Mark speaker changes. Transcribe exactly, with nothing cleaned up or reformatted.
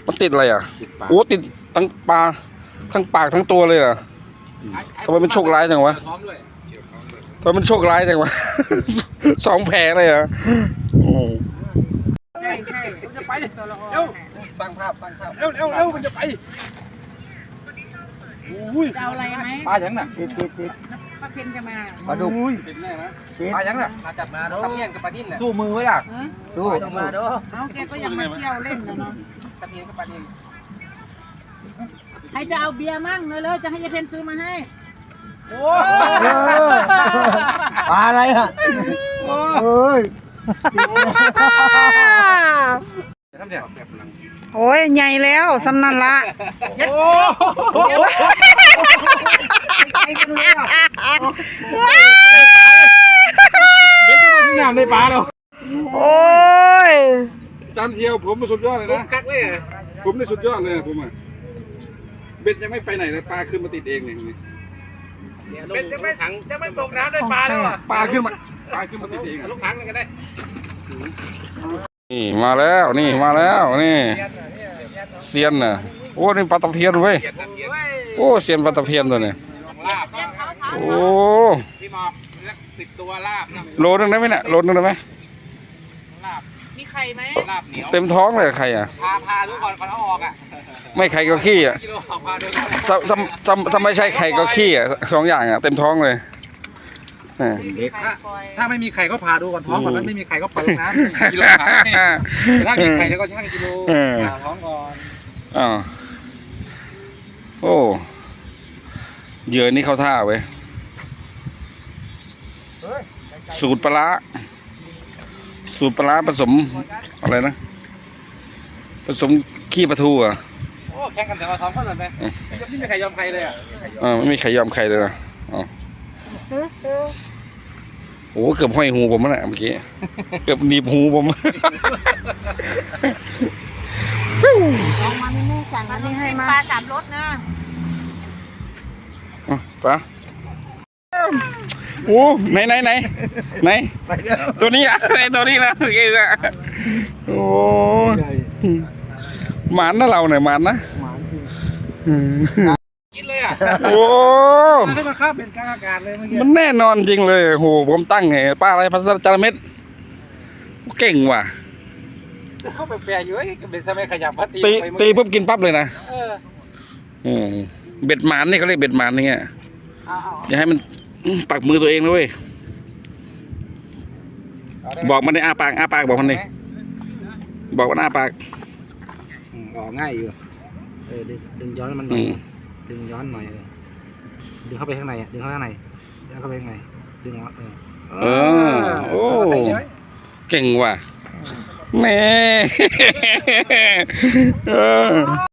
Speaker 1: มันติดอะไรอ่ะโอ้ติดทั้งปลาทั้งปากทั้งตัวเลยอ่ะทำไมมันโชคร้ายจังวะทำไมมันโชคร้ายจังวะ สองแผลเลยอ่ะโอ้
Speaker 2: ใช่ใช่มันจะไปเร็วสร้างภาพสร้างภาพเร็วเร็วเร็วมันจะไปอุ้ยจะเอาอะไรไหมปลาอย่างน่ะติดติดติดปลาเพ็ญจะมาปลาดุกติดแน่นะปลาอย่างน่ะมาจับมาเนาะตะเพียนกับปลาดิ้นน่ะสู้มือไว้ล่ะสู้มาเด้อเอาแกก็ยังมาเที่ยวเล่นนะเนาะตะเพียนกับปลาดิ้นใครจะเอาเบียร์มั่งเลยจะให้ยายเพ็ญซื้อมาให้โอ้
Speaker 3: ปลาอะไรฮะเฮ้ย
Speaker 4: โอ้ยใหญ่แล้วสำนันละ
Speaker 2: โอ้เบ็ดจะมาถึงน้ำในปลาแล้ว
Speaker 4: โอ้ย
Speaker 1: จานเชียวผมสุดยอดเลยนะ
Speaker 2: คักเลย
Speaker 1: ผมนี่สุดยอดเลยผมอ่ะเบ็ดยังไม่ไปไหนเลยปลาขึ้นมาติดเองเลย
Speaker 2: เบ็ดยังไม่ถังยังไม่ตกน้ำได้ปลาแล้วอ่ะ
Speaker 1: ปลาขึ้นมาปลาขึ้นมาติดเอง
Speaker 2: ลูกถังกันได้
Speaker 1: นี่มาแล้วนี่มาแล้วนี่เซียนน่ะโอ้นี่ปลาตะเพียนเว้ยโอ้เซียนปลาตะเพียนตัวนี้โอ้
Speaker 2: พี่หมอกสิบตัวลาบ
Speaker 1: โลนึงได้ไหมเนี่ยโลนึงได้ไหม
Speaker 2: ลาบมีไข่ไหมลาบเหนียว
Speaker 1: เต็มท้องเลยไข่อ่ะ
Speaker 2: พาพาทุกคนก่อนเอาออกอ่ะ
Speaker 1: ไม่ไข่ก็ขี้อ่ะถ้าถ้าถ้าถ้าไม่ใช่ไข่ก็ขี้อ่ะสองอย่างอ่ะเต็มท้องเลย
Speaker 2: ถ้าถ้าไม่มีไข่ก็พาดูก่อนท้องก่อนนั้นไม่มีไข่ก็ปล่อยน้ำกิโลขายถ้ามีไข่แล้วก็ช่างกิโลผ่าท้องก่อน
Speaker 1: อ๋อโอ้เหยื่อนี่เข้าท่าเว้ยสูตรปลาสูตรปลาผสมอะไรนะผสมขี้ปลาทูอ่ะ
Speaker 2: โอ้แข่งกันแต่ว่าท้องก็เลยไหมไม่มีใครยอมใครเลยอ่ะ
Speaker 1: อ่าไม่มีใครยอมใครเลยนะอ๋อโอ้เกือบห้อยหูผมแล้วเมื่อกี้เกือบหนีบหูผม
Speaker 4: เอามานี่แม่สั่งอันนี้ให้มา
Speaker 5: ปลาสามรสนะ
Speaker 1: ปลาโอ้ไหนไหนไหนไหนตัวนี้อ่ะไอตัวนี้นะโอเคนะโอ้หมานนะเราเนี่ยหมานนะ
Speaker 2: กินเลยอ่ะ
Speaker 1: โอ้
Speaker 2: ให้มันข้ามเป็นกลางอากาศเลยเมื่อกี้
Speaker 1: มันแน่นอนจริงเลยโหผมตั้งไงปลาอะไรพัสดุจาระเม็ดเก่งว่ะ
Speaker 2: เข้าไปแปลอยู่ไอ้เบ็ดทำไมขยับพัดตี
Speaker 1: ตีตีปุ๊บกินปั๊บเลยนะ
Speaker 2: เออ
Speaker 1: อืมเบ็ดหมานนี่เขาเรียกเบ็ดหมานนี่ไงอย่าให้มันปักมือตัวเองเลยบอกมันในอาปากอาปากบอกมันนี่บอกว่าอาปาก
Speaker 2: ออกง่ายอยู่เออดึงย้อนมันหน่อยดึงย้อนหน่อยดึงเข้าไปข้างในดึงเข้าไปข้างในดึงเข้าไปข้างในดึงเออ
Speaker 1: เออโอ้เก่งว่ะแม่เออ